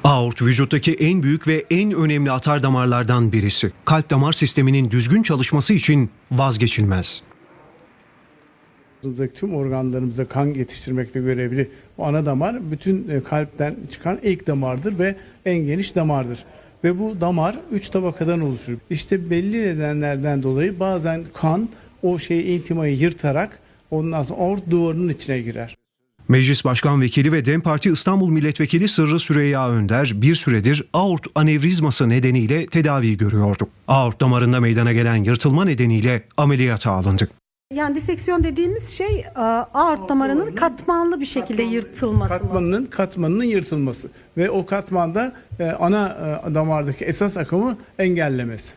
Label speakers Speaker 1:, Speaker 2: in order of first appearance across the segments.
Speaker 1: Aort vücuttaki en büyük ve en önemli atar damarlardan birisi. Kalp damar sisteminin düzgün çalışması için vazgeçilmez.
Speaker 2: Tüm organlarımıza kan yetiştirmekte görevli bu ana damar bütün kalpten çıkan ilk damardır ve en geniş damardır. Ve bu damar 3 tabakadan oluşur. İşte belli nedenlerden dolayı bazen kan o intimayı yırtarak ondan sonra aort duvarının içine girer.
Speaker 1: Meclis Başkan Vekili ve DEM Parti İstanbul Milletvekili Sırrı Süreyya Önder bir süredir aort anevrizması nedeniyle tedavi görüyordu. Aort damarında meydana gelen yırtılma nedeniyle ameliyata alındı.
Speaker 3: Yani diseksiyon dediğimiz şey aort damarının katmanlı bir şekilde yırtılması.
Speaker 2: Katmanının yırtılması ve o katmanda ana damardaki esas akımı engellemesi.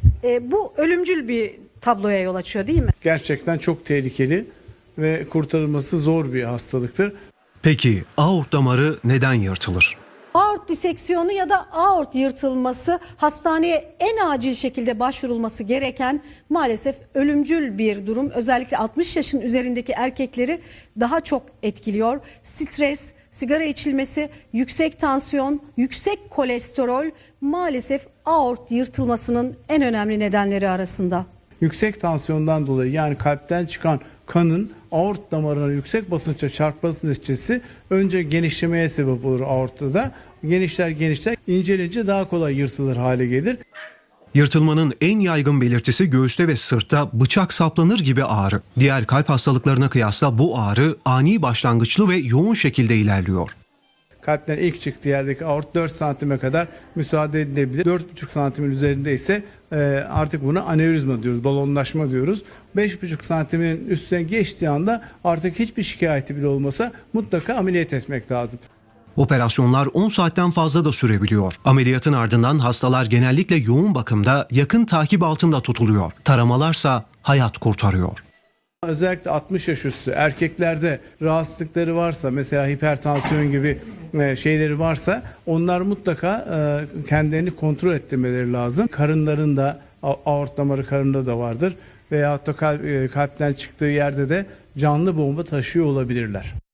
Speaker 3: Bu ölümcül bir tabloya yol açıyor değil mi?
Speaker 2: Gerçekten çok tehlikeli ve kurtarılması zor bir hastalıktır.
Speaker 1: Peki aort damarı neden yırtılır?
Speaker 3: Aort diseksiyonu ya da aort yırtılması hastaneye en acil şekilde başvurulması gereken maalesef ölümcül bir durum. Özellikle 60 yaşın üzerindeki erkekleri daha çok etkiliyor. Stres, sigara içilmesi, yüksek tansiyon, yüksek kolesterol maalesef aort yırtılmasının en önemli nedenleri arasında.
Speaker 2: Yüksek tansiyondan dolayı yani kalpten çıkan kanın aort damarına yüksek basınçla çarpması neticesi önce genişlemeye sebep olur aortta. Genişler incelince daha kolay yırtılır hale gelir.
Speaker 1: Yırtılmanın en yaygın belirtisi göğüste ve sırtta bıçak saplanır gibi ağrı. Diğer kalp hastalıklarına kıyasla bu ağrı ani başlangıçlı ve yoğun şekilde ilerliyor.
Speaker 2: Kalpten ilk çıktığı yerdeki aort 4 santime kadar müsaade edilebilir. 4,5 santimin üzerinde ise artık buna anevrizma diyoruz, balonlaşma diyoruz. 5,5 santimin üstüne geçtiği anda artık hiçbir şikayeti bile olmasa mutlaka ameliyat etmek lazım.
Speaker 1: Operasyonlar 10 saatten fazla da sürebiliyor. Ameliyatın ardından hastalar genellikle yoğun bakımda yakın takip altında tutuluyor. Taramalarsa hayat kurtarıyor.
Speaker 2: Özellikle 60 yaş üstü erkeklerde rahatsızlıkları varsa mesela hipertansiyon gibi şeyleri varsa onlar mutlaka kendilerini kontrol ettirmeleri lazım. Karınlarında aort damarı karında da vardır veyahut da kalpten çıktığı yerde de canlı bomba taşıyor olabilirler.